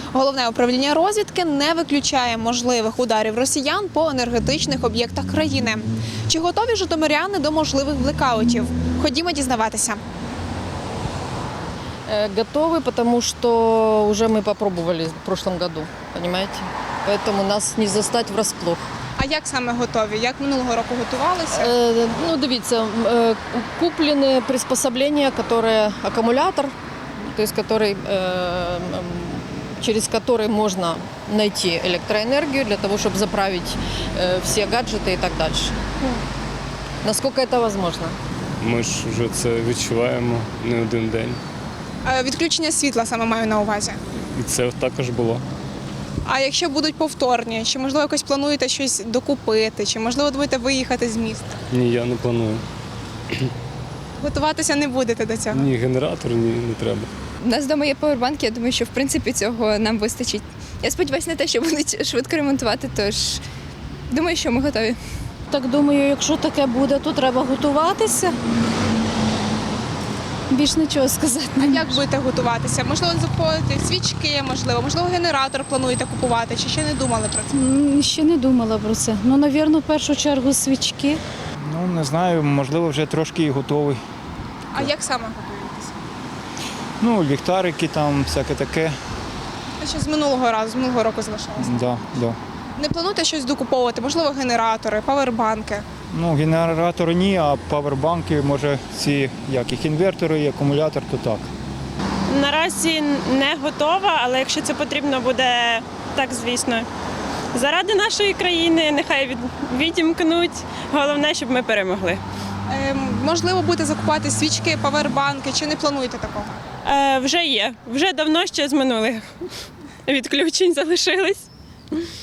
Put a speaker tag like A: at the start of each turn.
A: Головне управління розвідки не виключає можливих ударів росіян по енергетичних об'єктах країни. Чи готові житомиряни до можливих блекаутів? Ходімо дізнаватися.
B: Готовы, потому что уже мы попробовали в прошлом году, понимаете? Поэтому нас не застать врасплох.
A: А як саме готові? Як минулого року готувалися?
B: Ну, дивіться, куплены приспособления, которые аккумулятор, то есть через который можно найти электроэнергию для того, чтобы заправить все гаджеты и так дальше. Насколько это возможно?
C: Ми ж вже це відчуваємо не один день.
A: Відключення світла саме маю на увазі.
C: І це також було.
A: А якщо будуть повторні, чи можливо якось плануєте щось докупити, чи можливо будете виїхати з міста?
C: Ні, я не планую.
A: Готуватися не будете до цього?
C: Ні генератор, ні, не треба.
D: У нас вдома є павербанк, я думаю, що в принципі цього нам вистачить. Я сподіваюся на те, що будуть швидко ремонтувати, тож думаю, що ми готові.
E: Так думаю, якщо таке буде, то треба готуватися. Більш нічого сказати.
A: А як будете готуватися? Можливо, закупити свічки, можливо, генератор плануєте купувати, чи ще не думали про це?
E: Ще не думала про це. Ну, навірно, в першу чергу свічки.
F: Ну, не знаю, можливо, вже трошки і готовий.
A: А як саме готуєтеся?
F: Ну, ліхтарики там, всяке таке.
A: А що з минулого року залишилося?
F: Да.
A: Не плануєте щось докуповувати? Можливо, генератори, павербанки?
F: Ну, генератори ні, а павербанки, може, ці, як їх інвертори і акумулятор, то так.
G: Наразі не готова, але якщо це потрібно буде, так, звісно. Заради нашої країни нехай відімкнуть. Головне, щоб ми перемогли.
A: Можливо, будете закупати свічки, павербанки, чи не плануєте такого?
G: Вже є. Вже давно ще з минулих відключень залишились.